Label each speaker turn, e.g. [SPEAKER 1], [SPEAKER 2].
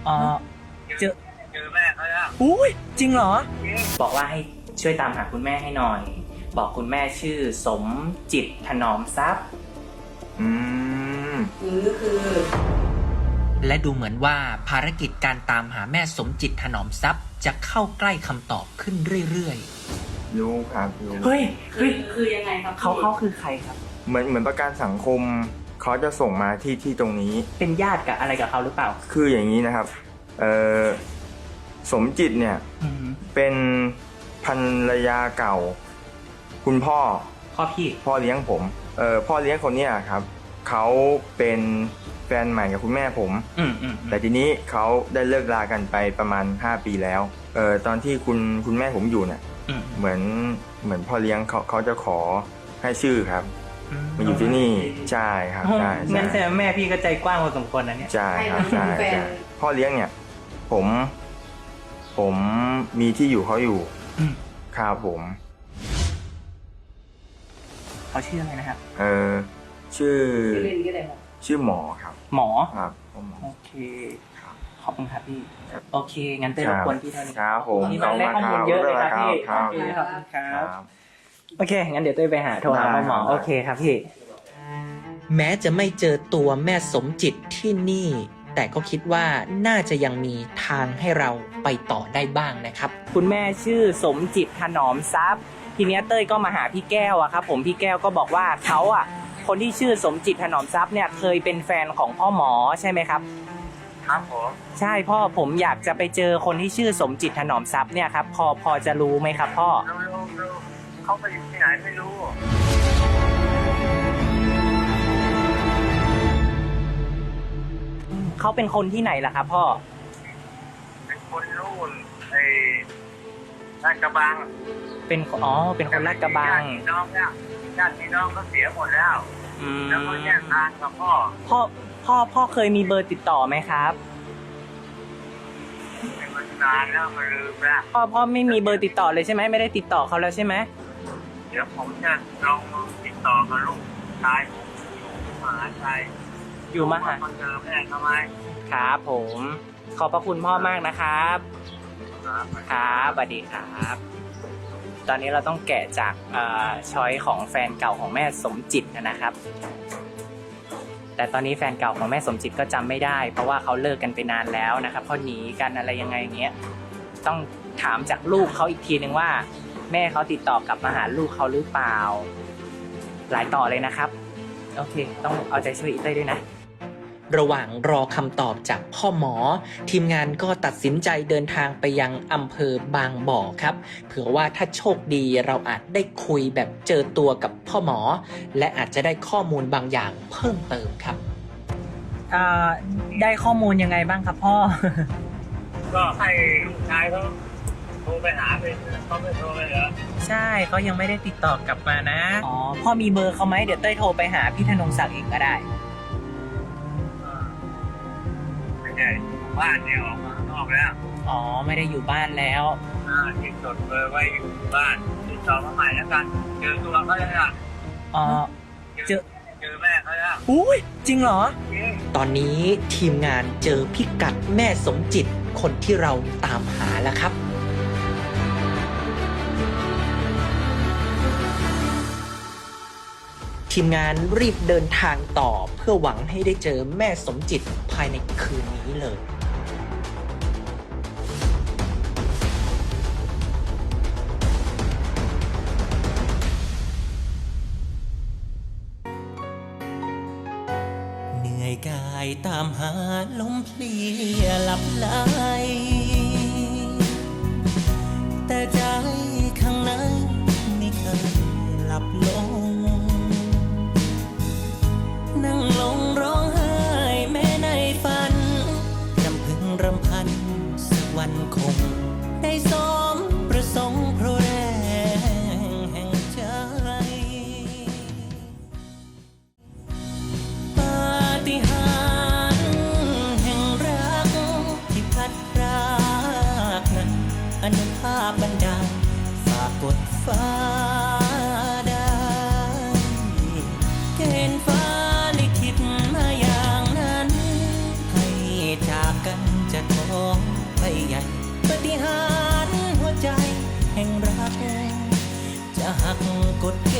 [SPEAKER 1] อ๋อเจอ
[SPEAKER 2] แม่เขาแล้ว
[SPEAKER 1] อุ้ยจริงเหรอบอกว่าให้ช่วยตามหาคุณแม่ให้หน่อย บอกคุณแม่ชื่อสมจิตถนอมทรัพย์และดูเหมือนว่าภารกิจการตามหาแม่สมจิตถนอมทรัพย์จะเข้าใกล้คำตอบขึ้นเรื่อยๆ
[SPEAKER 3] รู้ครับรู้
[SPEAKER 1] เฮ้ย
[SPEAKER 4] คือยังไงครับ
[SPEAKER 1] เขาคือใครครับ
[SPEAKER 3] เหมือนประกันสังคมเขาจะส่งมาที่ตรงนี้
[SPEAKER 1] เป็นญาติกับอะไรกับเขาหรือเปล่า
[SPEAKER 3] คืออย่างนี้นะครับสมจิตเนี่ยเป็นภรรยาเก่า คุณพ่อ
[SPEAKER 1] พี่
[SPEAKER 3] พ่อเลี้ยงผมพ่อเลี้ยงคนเนี้ยครับเขาเป็นแฟนใหม่กับคุณแม่ผมแต่ทีนี้เขาได้เลิกรากันไปประมาณ5 ปีแล้วตอนที่คุณแม่ผมอยู่เนี่ยเหมือนพ่อเลี้ยงเขาจะขอให้ชื่อครับมาอยู่ที่นี่ใช่ครับใช่
[SPEAKER 1] งั้นแสดงแม่พี่ก็ใจกว้างพอสมควรนะเนี่ย
[SPEAKER 3] ใช่ครับใช่พ่อเลี้ยงเนี่ยผมมีที่อยู่เขาอยู่ครับผม
[SPEAKER 1] เขาชื่ออะไรนะครับ
[SPEAKER 3] ชื่อ
[SPEAKER 4] เล่นก็ได้ครับ
[SPEAKER 3] ชื่อหมอครับ
[SPEAKER 1] หมอ
[SPEAKER 3] ครับหมอ
[SPEAKER 1] โอเคขอบคุณครับพี่โอเคงั้นเต้รบกวนพี่เท่านี้
[SPEAKER 3] ครับผม
[SPEAKER 1] นี่มันได้ข้อมูลเยอะเลยครับพี่
[SPEAKER 3] ครับ
[SPEAKER 1] โอเคขอบคุณครับโอเคงั้นเดี๋ยวเต้ไปโทรหาหมอโอเคครับพี่แม้จะไม่เจอตัวแม่สมจิตที่นี่ แต่ก็คิดว่าน่าจะยังมีทางให้เราไปต่อได้บ้างนะครับคุณแม่ชื่อสมจิตถนอมทรัพย์ทีนี้เต้ยก็มาหาพี่แก้วอะครับผมพี่แก้วก็บอกว่าเขาอะคนที่ชื่อสมจิตถนอมทรัพย์เนี่ยเคยเป็นแฟนของพ่อหมอใช่ไหมครับ
[SPEAKER 2] ครับผม
[SPEAKER 1] ใช่พ่อผมอยากจะไปเจอคนที่ชื่อสมจิตถนอมทรัพย์เนี่ยครับพอจะรู้ไหมครับพ่อ
[SPEAKER 2] รู้เขาไปอยู่ที่ไหนไม่รู้
[SPEAKER 1] เขาเป็นคนที่ไหนล่ะครับพ่อ
[SPEAKER 2] เป็นคนนู่นลาดกระบัง
[SPEAKER 1] เป็นคนลาดกระบัง
[SPEAKER 2] ญาติพี่น้องก็เสียหมดแล้วแล้วก็แยกทางกับ
[SPEAKER 1] พ่อเคยมีเบอร์ติดต่อไหมครับ
[SPEAKER 2] มันนานแล้วมันลืมแล้ว
[SPEAKER 1] พ่อไม่มีเบอร์ติดต่อเลยใช่ไหมไม่ได้ติดต่อเขาแล้วใช่ไหม
[SPEAKER 2] เดี๋ยวผมจะลองติดต่อกับลูกชายผมอยู่มหาชัย
[SPEAKER 1] อยู่มหา
[SPEAKER 2] เจอแม่ทำไม
[SPEAKER 1] ครับผมขอบพระคุณพ่อมากนะครับครับสวัสดีครับตอนนี้เราต้องแกะจากช้อยของแฟนเก่าของแม่สมจิตนะครับแต่ตอนนี้แฟนเก่าของแม่สมจิตก็จำไม่ได้เพราะว่าเขาเลิกกันไปนานแล้วนะครับเขาหนีกันอะไรยังไงอย่างเงี้ยต้องถามจากลูกเขาอีกทีนึงว่าแม่เขาติดต่อกลับมาหาลูกเขาหรือเปล่าหลายต่อเลยนะครับโอเคต้องเอาใจช่วยอีเต้ยด้วยนะระหว่างรอคำตอบจากพ่อหมอทีมงานก็ตัดสินใจเดินทางไปยังอำเภอบางบ่อครับเผื่อว่าถ้าโชคดีเราอาจได้คุยแบบเจอตัวกับพ่อหมอและอาจจะได้ข้อมูลบางอย่างเพิ่มเติมครับได้ข้อมูลยังไงบ้างครับพ่อ
[SPEAKER 2] ก็ให้ลูกชายเขาโทรไปหาเขาไม่โทรเลยเหรอ
[SPEAKER 1] ใช่เขายังไม่ได้ติดต่อกลับมานะอ๋อพ่อมีเบอร์เขาไหมเดี๋ยวเต้ยโทรไปหาพี่ธนงศักดิ์เองก็ได้
[SPEAKER 2] บ้านเนี่ยออกมาข้างนอกแล้ว
[SPEAKER 1] อ๋อไม่ได้อยู่บ้านแล้ว
[SPEAKER 2] ที่จดเบอร์ไว้อยู่บ้านติดต่อมาใหม่แล้วกันเจอตัวเขาแล้วล่ะ
[SPEAKER 1] อ๋อเจอ
[SPEAKER 2] แม่เขาแล้ว
[SPEAKER 1] อุ้ยจริงเหรอตอนนี้ทีมงานเจอพิกัดแม่สมจิตคนที่เราตามหาแล้วครับทีมงานรีบเดินทางต่อเพื่อหวังให้ได้เจอแม่สมจิตภายในคืนนี้เลยเหนื่อยกายตามหาลมเพลียหลับไหลแต่ใจข้างในไม่เคยหลับลงนั่งลงร้องไห้แม้ในฝันรำพึงรำพันสักวันคงได้สมประสงค์เพราะแรงแห่งใจปาฏิหาริย์แห่งรักที่พัดพรากนั้นอนุภาพบันดาลฝากกดฟ้าได้เกณฑ์ฟ้าลิขิตมาอย่างนั้นให้จากกันจะท
[SPEAKER 5] หักกดแข